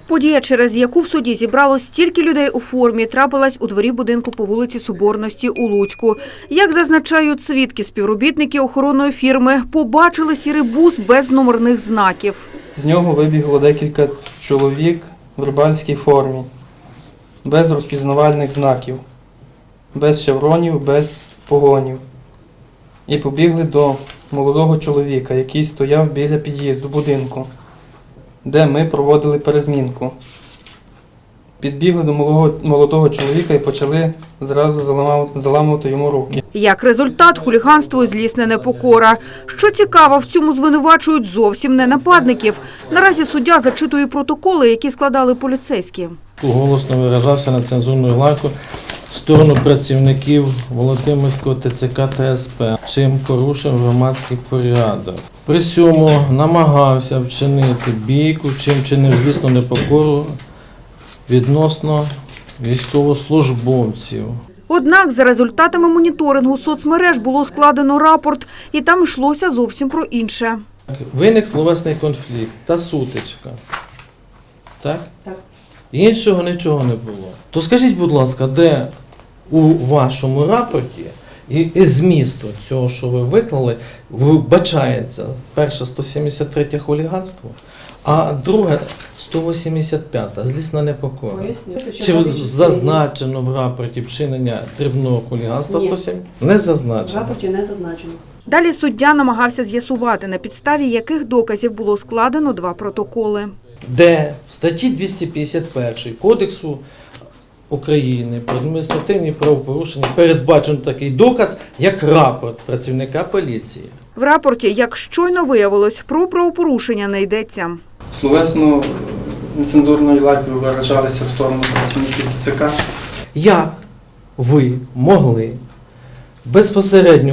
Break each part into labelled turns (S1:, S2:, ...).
S1: Подія, через яку в суді зібралось стільки людей у формі, трапилась у дворі будинку по вулиці Соборності у Луцьку. Як зазначають свідки, співробітники охоронної фірми побачили сірий бус без номерних знаків.
S2: З нього вибігло декілька чоловік в рибальській формі, без розпізнавальних знаків, без шевронів, без погонів. І побігли до молодого чоловіка, який стояв біля під'їзду будинку, де ми проводили перезмінку. Підбігли до молодого чоловіка і почали зразу заламувати йому руки.
S1: Як результат – хуліганство і злісна непокора. Що цікаво, в цьому звинувачують зовсім не нападників. Наразі суддя зачитує протоколи, які складали поліцейські.
S3: Голосно виражався на цензурну лайку в сторону працівників Володимирського ТЦК та СП, чим порушив громадський порядок. При цьому намагався вчинити бійку, чим чинив злісну непокору відносно військовослужбовців.
S1: Однак за результатами моніторингу соцмереж було складено рапорт, і там йшлося зовсім про інше.
S3: Виник словесний конфлікт та сутичка. Так?
S4: Так.
S3: Іншого нічого не було. То скажіть, будь ласка, де у вашому рапорті і змісту цього, що ви виклали, вбачається перше 173 хуліганство, а друге 185 злісна непокора.
S4: Поясню.
S3: Чи зазначено в рапорті вчинення дрібного хуліганства?
S4: Ні.
S3: 107? Не
S4: В
S3: зазначено.
S4: рапорті не зазначено.
S1: Далі суддя намагався з'ясувати, на підставі яких доказів було складено 2 протоколи.
S3: Де в статті 251 Кодексу України про адміністративні правопорушення передбачено такий доказ, як рапорт працівника поліції.
S1: В рапорті, як щойно виявилось, про правопорушення не йдеться.
S2: Словесно нецензурною лайкою виражалися в сторону працівників ТЦК.
S3: Як ви могли безпосередньо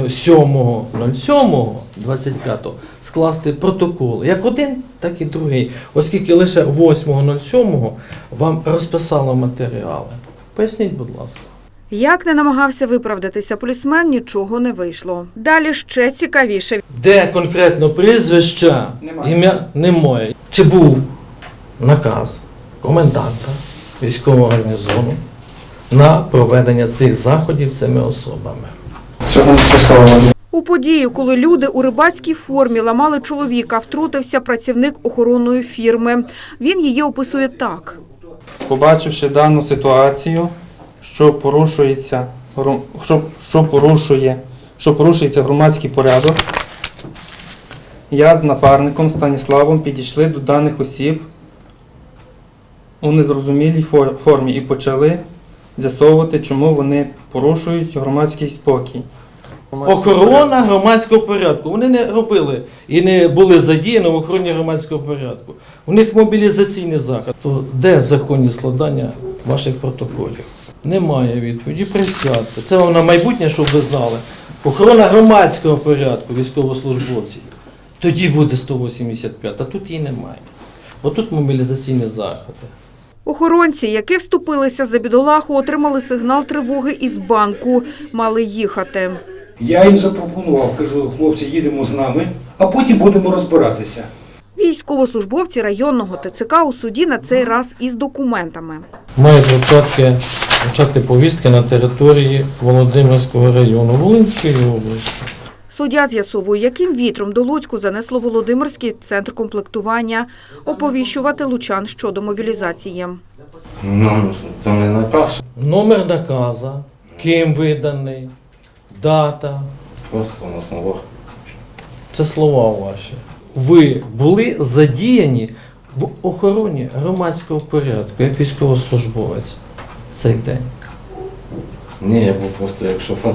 S3: 7.07.25 скласти протокол як один, так і другий, оскільки лише 8.07 вам розписало матеріали? Поясніть, будь ласка.
S1: Як не намагався виправдатися полісмен, нічого не вийшло. Далі ще цікавіше.
S3: Де конкретно прізвища,
S2: Немає.
S3: ім'я немає. Чи був наказ коменданта військового гарнізону на проведення цих заходів цими особами?
S2: Цього не стосовно.
S1: У подію, коли люди у рибацькій формі ламали чоловіка, втрутився працівник охоронної фірми. Він її описує так.
S2: Побачивши дану ситуацію, що порушується громадський порядок, я з напарником Станіславом підійшли до даних осіб у незрозумілій формі і почали з'ясовувати, чому вони порушують громадський спокій.
S3: Охорона громадського порядку. Вони не робили і не були задіяні в охороні громадського порядку. У них мобілізаційний захід. То де законні складання ваших протоколів? Немає відповіді. Присядьте. Це вам на майбутнє, щоб ви знали. Охорона громадського порядку військовослужбовців. Тоді буде 185, а тут її немає. Отут мобілізаційні заходи.
S1: Охоронці, які вступилися за бідолаху, отримали сигнал тривоги із банку. Мали їхати.
S5: Я їм запропонував, кажу, хлопці, їдемо з нами, а потім будемо розбиратися.
S1: Військовослужбовці районного ТЦК у суді на цей раз із документами.
S3: Мають вручати повістки на території Володимирського району Волинської області.
S1: Суддя з'ясовує, яким вітром до Луцьку занесло Володимирський центр комплектування оповіщувати лучан щодо мобілізації.
S6: Ну, це не наказ.
S3: Номер наказа, ким виданий, дата.
S6: Просто на словах.
S3: Це слова ваші. Ви були задіяні в охороні громадського порядку, як військовослужбовець цей день.
S6: Ні, я був просто як шофер.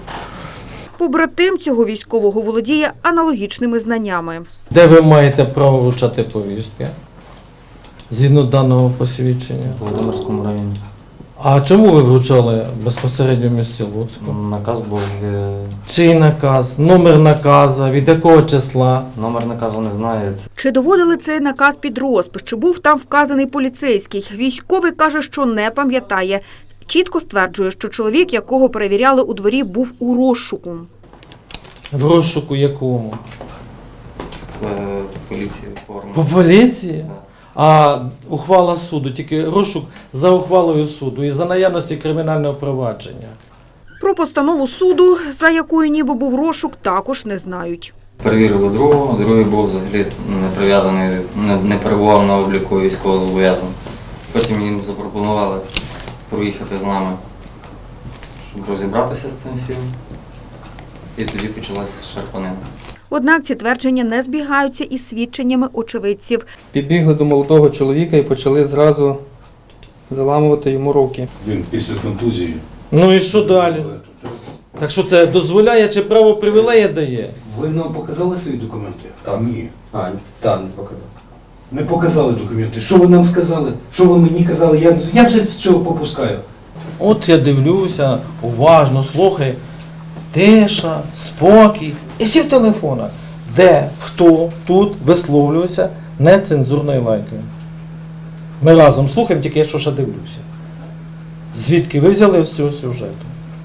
S1: Побратим цього військового володіє аналогічними знаннями.
S3: Де ви маєте право вручати повістки? Згідно даного посвідчення.
S7: В Володимирському районі.
S3: А чому ви вручали безпосередньо в місті Луцьку?
S7: Наказ був,
S3: Чий наказ? Номер наказа? Від якого числа?
S7: номер наказу не знаю.
S1: Чи доводили цей наказ під розпис? Чи був там вказаний поліцейський? Військовий каже, що не пам'ятає. Чітко стверджує, що чоловік, якого перевіряли у дворі, був у розшуку.
S3: В розшуку якому?
S7: Поліції форму.
S3: По поліції? А ухвала суду, тільки розшук за ухвалою суду і за наявності кримінального провадження.
S1: Про постанову суду, за якою ніби був розшук, також не знають.
S7: Перевірили другого, другий був взагалі не прив'язаний, не перебував на обліку військовозобов'язаного. Потім їм запропонували проїхати з нами, щоб розібратися з цим всім. І тоді почалась шарпанина.
S1: Однак ці твердження не збігаються із свідченнями очевидців.
S2: Підбігли до молодого чоловіка і почали зразу заламувати йому руки.
S5: Він після контузії.
S3: Ну і що далі? Так що це дозволяє чи право привілея дає?
S5: Ви нам показали свої документи?
S4: Так.
S5: Ні.
S4: Так, не показав.
S5: Не показали документи. Що ви нам сказали? Що ви мені казали? Я вже з цього попускаю.
S3: От я дивлюся, уважно слухай, тиша, спокій. І всі в телефонах. Де, хто тут висловлювався нецензурною лайкою. Ми разом слухаємо, тільки я що ще дивлюся. Звідки ви взяли з цього сюжету?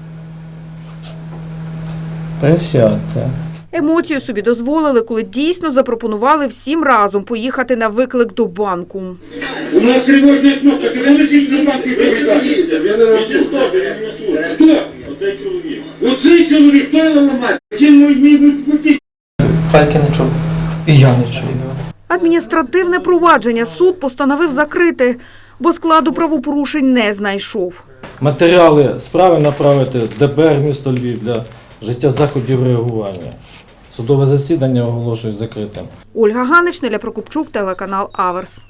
S3: Присядьте.
S1: Емоцію собі дозволили, коли дійсно запропонували всім разом поїхати на виклик до банку.
S8: У нас тривожна кнопка, ти не лежить на банки прив'язати. Хто? Оцей чоловік. Оцей чоловік, хто його ламає? Чим мені будуть платити?
S2: Пайки не чув. І я не чув.
S1: Адміністративне провадження суд постановив закрити, бо складу правопорушень не знайшов.
S3: Матеріали справи направити в ДБР місто Львів для життя заходів реагування. Судове засідання оголошують закритим.
S1: Ольга Ганич, Неля Прокопчук, телеканал Аверс.